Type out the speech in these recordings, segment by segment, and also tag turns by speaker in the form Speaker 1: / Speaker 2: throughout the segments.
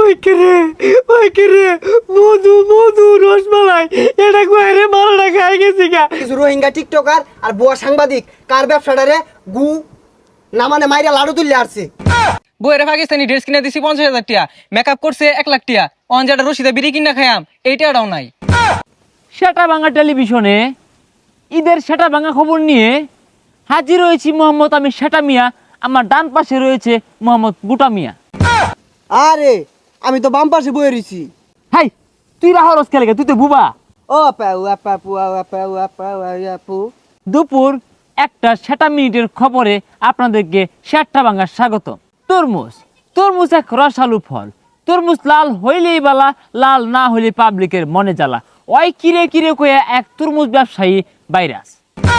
Speaker 1: ওই কে রে মধু মধু রসমালাই এটা কইরে মারাটা খাই গেছি গা।
Speaker 2: কিছু রোহিঙ্গা টিকটকার আর বুয়া সাংবাদিক কার ব্যবসাটারে গু না মানে মাইরা লাড়ু তুললে আসছে।
Speaker 3: বইয়ের পাকিস্তানি ড্রেস কিনে দিছি 50,000 টাকা, মেকআপ করছে 1 লাখ টাকা, অনজাটা রশিদা বিড়ি কিনা খাইয়াম এইটাও নাই।
Speaker 1: সেটা বাংলা টেলিভিশনে ঈদের সেটা ভাঙা খবর নিয়ে হাজির হয়েছি মোহাম্মদ আমি সেটা মিয়া, আমার ডান পাশে রয়েছে মোহাম্মদ গুটা মিয়া।
Speaker 2: আরে আমি তো বাম পাশে বয়ে রইছি।
Speaker 1: হাই তুই রাহরস খেলে তুই তো বুবা।
Speaker 2: ও পাউ আপা পুয়া আপা আপা আপু।
Speaker 1: দুপুর 1:07 খবরে আপনাদেরকে সেটা ভাঙার স্বাগত। তরমুজ এক রসালু ফল। তরমুজ লাল হইলেই বালা, লাল না হইলে পাবলিকের মনে জ্বালা। ওই কিরে কিরে কয়ে এক তরমুজ ব্যবসায়ী ভাইরাস।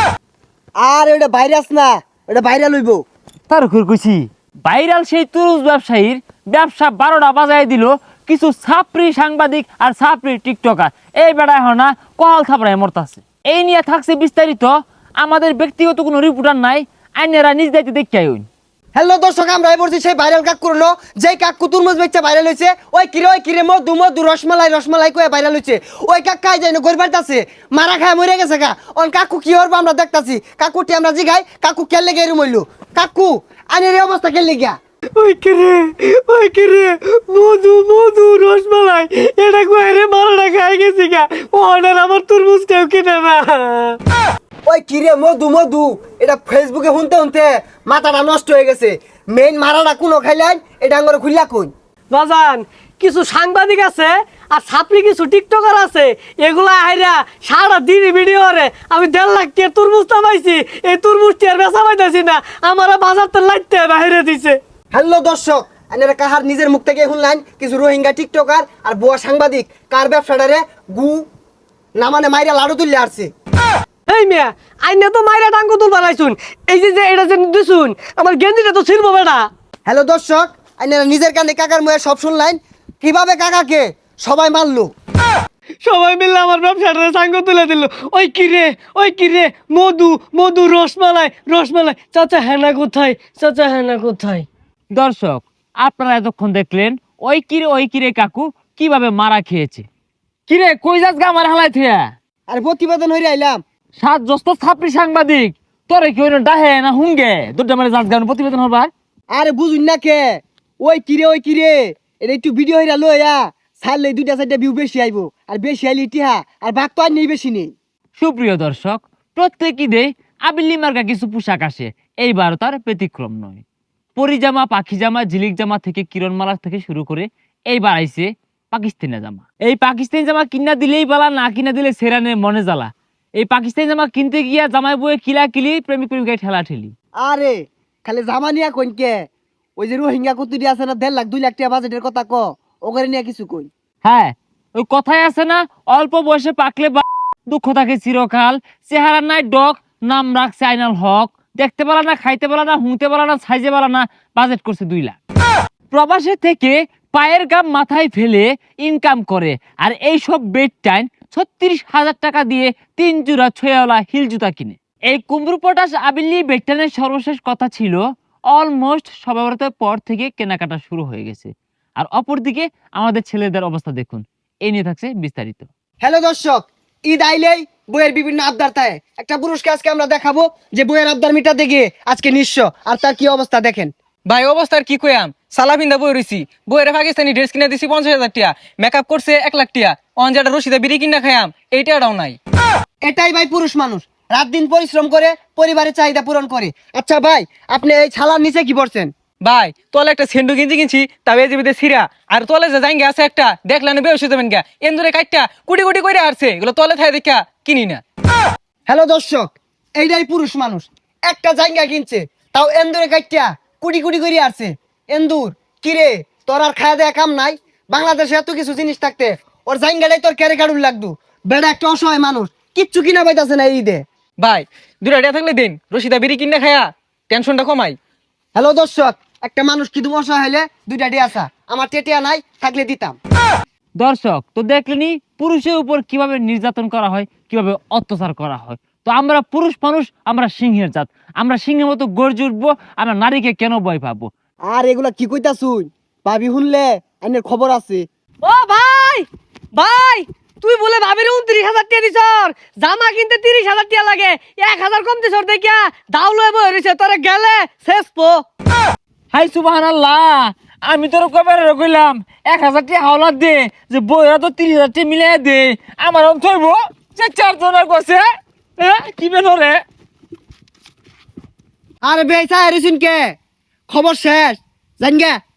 Speaker 2: আর ওটা ভাইরাস না, ওটা ভাইরাল হইব।
Speaker 1: তার কইছি ভাইরাল সেই তরমুজ ব্যবসায়ীর ব্যবসা 12টা বাজায় দিল কিছু ছাপরি সাংবাদিক আর ছাপরি টিকটকার। এই বেড়ায় হয় না কহাল থাপড়ায় মরতাছে। এই নিয়ে থাকছে বিস্তারিত, আমাদের ব্যক্তিগত কোনো রিপোর্টার নাই, আইনেরা নিজ দায়িত্বে দেখতে আইন।
Speaker 2: হ্যালো দর্শক, আমরা বলছি সেই ভাইরাল কাক করলো যেই কাকু তরমুজ বেচা ভাইরাল হয়েছে। ওই কিরে মধু মধু রসমালাই কয়ে ভাইরাল হয়েছে। ওই কাক কাই যায় না গরিবার আছে মারা খায় মরে গেছে গা। অন কাকু কি হরবো আমরা দেখতাছি। কাকুটি আমরা জিগাই কাকু খেললে গিয়ে রুমইলো কাকু আইনের এই অবস্থা খেললে গিয়া।
Speaker 1: ওই কিরে মধু মধু রসমালাই এটা কয়ে মারাটা খাই গেছি গা। অর্ডার আমার তরমুজ কেউ কিনে না।
Speaker 2: ওই কিরে মধু এটা ফেসবুকে শুনতে মাথাটা নষ্ট হয়ে গেছে। মেইন মারাটা কোনো খাইলেন এটা আঙ্গরে খুললা কই
Speaker 4: বাজান। কিছু সাংবাদিক আছে আর ছাপড়ি কিছু টিকটকার আছে, এগুলা আইরা সারা দিন ভিডিও করে আমি 1.5 লাখ টাকা তরমুজ পাইছি, এই তরমুজটি আর বেচা পাইতেছি না, আমার বাজার তো লাইতে বাইরে দিছে।
Speaker 2: হ্যালো দর্শক, আপনারা কাহার নিজের মুখ থেকে শুনলেন কিছু রোহিঙ্গা টিকটকার আর বুয়া সাংবাদিক কার ব্যবসাটারে গু না মানে মাইরা লাড়ু তুললে আসছে।
Speaker 4: এই মিয়া আইনে তো মাইরা টাঙ্গু তুল বানাইছুন, এই যে এটা যে দিছুন আমার গেঞ্জিটা তো ছিড়বো বেটা।
Speaker 2: হ্যালো দর্শক, আপনারা নিজের কানে কাকার মুখে সব শুনলেন কিভাবে কাকাকে সবাই মারলো।
Speaker 4: সবাই মিলে আমার ব্যবসাটা সাঙ্গ তুলে দিল। ওই কিরে মধু মধু রসমালাই চাচা হেনা কোথায়?
Speaker 1: দর্শক আপনারা এতক্ষণ দেখলেন ওই কিরে কাকু কিভাবে মারা খেয়েছে। কিরে কই যাস গা আমার হালাই থিয়া?
Speaker 2: আর প্রতিবেদন হইরে আইলাম।
Speaker 1: 7 জস্ত ছাপরি সাংবাদিক তোরে কি হইন ডাহে না হুঙ্গে দুটা মারে যাস গান প্রতিবেদন হবার।
Speaker 2: আরে বুঝুন না কে ওই কিরে এটা একটু ভিডিও হইরা লইয়া ছাড়লে 2-4টা ভিউ বেশি আইবো। আর বেশি আইলে ইতিহা আর ভাগ তো আর নেই বেশি নেই।
Speaker 1: সুপ্রিয় দর্শক, প্রত্যেক ঈদে আবিল্লি মার্কা কিছু পোশাক আসে, এইবার তার ব্যতিক্রম নয়। পরিজামা, পাখি জামা, ঝিলিক জামা থেকে কিরণমালা থেকে শুরু করে এইবার আইছে পাকিস্তানি জামা। এই পাকিস্তানি জামা কিনা দিলেই বালা, না কিনা দিলে সেরানে মনে জ্বালা। এই পাকিস্তানি জামা কিনতে গিয়া জামাই বয়ে কিলি প্রেমিকায় ঠেলা ঠেলি।
Speaker 2: আরে খালি জামা নিয়া কইন কে ওই যে রোহিঙ্গা কুতুরি আছে না 1.5 লাখ 2 লাখ টাকা বাজেটের কথা ক ওখানে নিয়ে কিছু কই।
Speaker 1: হ্যাঁ ওই কথাই আছে না, অল্প বয়সে পাকলে দুঃখ থাকে চিরকাল। চেহারা নাই ডক, নাম রাখছে আইনাল হক। দেখতে পারা না, খাইতে পারা না, হুঁতে পারা না, সাইজে পারা না, বাজেট করছে 2 লাখ। প্রবাসে থেকে পায়ের গাম মাথায় ফেলে ইনকাম করে, আর এইসব বেড টাইম 36,000 টাকা দিয়ে 3 জোড়া ছয়াওয়ালা হিল জুতা কিনে। এই কুমড়ো পটাশ আবিল্লি বেডটানের সর্বশেষ কথা ছিল অলমোস্ট সবে বরাতের পর থেকে কেনাকাটা শুরু হয়ে গেছে। আর অপরদিকে আমাদের ছেলেদের অবস্থা দেখুন, এই নিয়ে থাকছে বিস্তারিত।
Speaker 2: হ্যালো দর্শক, ঈদ আইলেই বইয়ের বিভিন্ন আবদার থাকে। একটা পুরস্কার আজকে আমরা দেখাবো যে বইয়ের আবদার মিটাতে গিয়ে আজকে নিঃস্ব। আর তার কি অবস্থা দেখেন।
Speaker 3: ভাই অবস্থার কি কইয়াম, সালা পিন্দা বই রইছি, বইয়ের পাকিস্তানি ড্রেস কিনে দিছি 50,000 টাকা, মেকআপ করছে 1 লাখ টাকা, অনজাটা রশিদা বিড়ি কিনা খাইয়াম এইটাও নাই।
Speaker 2: এটাই ভাই পুরুষ মানুষ, রাত দিন পরিশ্রম করে পরিবারের চাহিদা পূরণ করে। আচ্ছা ভাই, আপনি এই ছালার নিচে কি পড়ছেন?
Speaker 3: ভাই তোলে একটা সেন্ডু গেঞ্জি কিনছি, তবে জিবিতে সিরা, আর তোলে যে জাইঙ্গে আছে একটা দেখলেন বেউসে যাবেন গা, এন্দুরে কাটটা কুটি কুটি করে আসছে, এগুলো তোলে থাই দেখা কিনি না।
Speaker 2: হ্যালো দর্শক, এইটাই পুরুষ মানুষ, একটা জায়গা কিনছে তাও এন্দুরে কাটিয়া কুটি কুটি করে আসছে। এন্দুর কিরে তোর আর খাওয়া দেয়া কাম নাই? বাংলাদেশে এত কিছু জিনিস থাকতে ওর জায়গাটাই তোর ক্যারে কাড়ুর লাগতো। বেড়া একটা অসহায় মানুষ, কিচ্ছু কিনা পাইতাছে না এই ঈদে।
Speaker 3: ভাই 2 টাকা থাকলে দিন, রশিদা বিড়ি কিনা খায়া টেনশনটা কমাই।
Speaker 2: হ্যালো দর্শক, একটা মানুষ কি তুমি অসহায় হলে 2টা টিয়া আসা, আমার টেটিয়া নাই থাকলে দিতাম।
Speaker 1: দর্শক তো দেখলেনি পুরুষের উপর কিভাবে নির্যাতন করা হয়, কিভাবে অত্যাচার করা হয়। তো আমরা পুরুষ মানুষ, আমরা সিংহের জাত, আমরা সিংহের মতো গর্জে উঠবো। আমরা নারীকে কেন ভয় পাবো?
Speaker 2: আর এগুলা কি কইতাছুই? ভাবি শুনলে আইনের খবর আছে।
Speaker 4: ও ভাই ভাই তুই বলে ভাবির 29,000 টাকা দিছ জামা কিনতে 30,000 টাকা লাগে 1,000 কম দিছ দেখিয়া দাও লয়ে বই রইছে তোরে গেলে শেষ পো।
Speaker 1: হাই সুবহানাল্লাহ, আমি তোর কবে কইলাম 1,000 টাকা হাওলাত দে, যে বইরা তো 30,000 টাকা মিলাই দে, আমার অন থইব যে 4 জনের কইছে কি বেনরে।
Speaker 2: আরে বেসা এরিসুন কে খবর শেষ জান গে।